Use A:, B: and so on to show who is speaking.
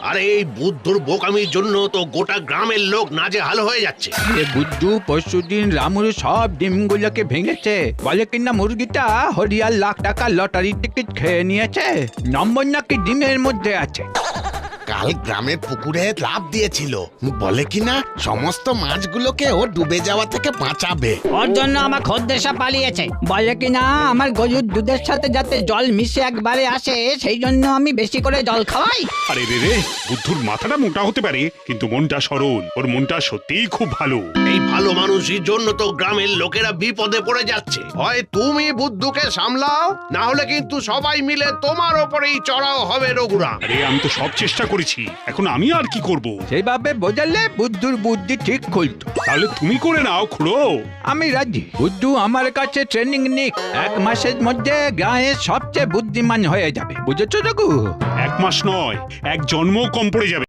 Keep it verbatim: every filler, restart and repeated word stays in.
A: আরে এই বুদ্ধুর বোকামির জন্য তো গোটা গ্রামের লোক নাজেহাল হয়ে যাচ্ছে।
B: এ বুদ্ধু পরশুদিন রামুর সব ডিমগুলোকে ভেঙেছে, বলে কিনা মুরগিটা হরিয়ার লাখ টাকা লটারি টিকিট খেয়ে নিয়েছে, নম্বর নাকি ডিমের মধ্যে আছে।
C: কাল গ্রামের পুকুরে লাফ দিয়েছিল, বলে কিনা সমস্ত মাছগুলোকে ও ডুবে যাওয়া থেকে বাঁচাবে।
D: ওর জন্য আমার খদ্দেশা পালিয়েছে।
B: বলে কিনা আমার গরুর দুধের সাথে যাতে জল মিশে একবারে আসে সেই জন্য আমি বেশি করে জল খাওয়াই।
E: আরে রে রে, বুদ্ধুর মাথাটা মোটা হতে পারে কিন্তু মনটা সরল, ওর মনটা সত্যিই খুব ভালো।
A: এই ভালো মানুষের জন্য তো গ্রামের লোকেরা বিপদে পড়ে যাচ্ছে। হয় তুমি বুদ্ধুকে সামলাও, না হলে কিন্তু সবাই মিলে তোমার ওপরেই চড়াও হবে রঘুরাম।
E: আরে আমি তো সব চেষ্টা করেছি, এখন আমি আর কি করব?
B: সেইভাবে বোঝালে বুদ্ধুর বুদ্ধি ঠিক খুলতো।
E: তাহলে তুমি করে নাও খুড়ো।
B: আমি রাজি, বুদ্ধু আমার কাছে ট্রেনিং নিক, এক মাসের মধ্যে গায়ের সবচেয়ে বুদ্ধিমান হয়ে যাবে, বুঝেছো রঘু?
E: এক মাস নয়, এক জন্ম কম পড়ে যাবে।